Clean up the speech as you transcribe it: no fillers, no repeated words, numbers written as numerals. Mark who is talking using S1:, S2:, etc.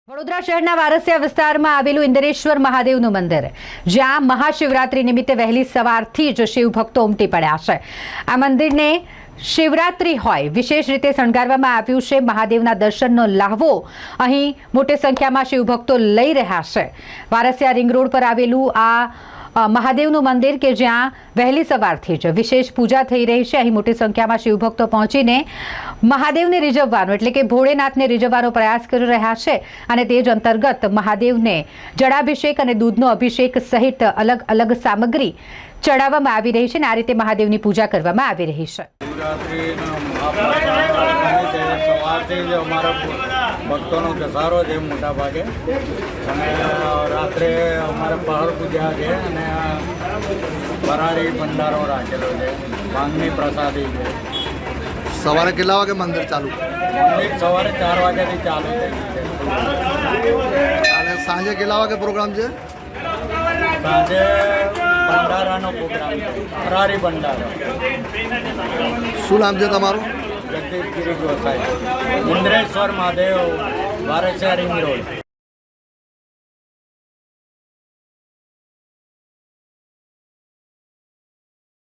S1: વડોદરા શહેરના વારસિયા વિસ્તારમાં આવેલું ઇન્દ્રેશ્વર મહાદેવનું મંદિર, જ્યાં મહાશિવરાત્રી નિમિત્તે વહેલી સવારથી જ શિવભક્તો ઉમટી પડ્યા છે। આ મંદિરને શિવરાત્રી હોય વિશેષ રીતે શણગારવામાં આવ્યું છે। મહાદેવના દર્શનનો લાહવો અહીં મોટી સંખ્યામાં શિવભક્તો લઈ રહ્યા છે। વારસિયા રિંગ રોડ પર આવેલું આ મહાદેવનું મંદિર કે જ્યાં વહેલી સવારથી જ વિશેષ પૂજા થઈ રહી છે। અહીં મોટી સંખ્યામાં શિવભક્તો પહોંચીને મહાદેવને રીઝવવાનો એટલે કે ભોળેનાથને રીઝવવાનો પ્રયાસ કરી રહ્યા છે અને તે જ અંતર્ગત મહાદેવને જળાભિષેક અને દૂધનો અભિષેક સહિત અલગ અલગ સામગ્રી ચડાવવામાં આવી રહી છે અને આ રીતે મહાદેવની પૂજા કરવામાં આવી રહી છે।
S2: ભક્તોનો ઘસારો છે મોટા ભાગે અને રાત્રે અમારે પહાડ પૂજા છે અને ફરાળી ભંડારો રાખેલો છે, ભાંગની પ્રસાદી છે।
S3: સવારે કેટલા વાગે મંદિર ચાલુ?
S2: મંદિર સવારે 4 વાગ્યાથી ચાલુ થઈ ગયું છે
S3: અને સાંજે કેટલા વાગે પ્રોગ્રામ છે?
S2: સાંજે ભંડારાનો પ્રોગ્રામ છે, ફરાળી ભંડારો।
S3: શું નામ છે તમારું?
S2: Jagdish Giri Gosai, Indreshwar Mahadev, Varasiya ring road.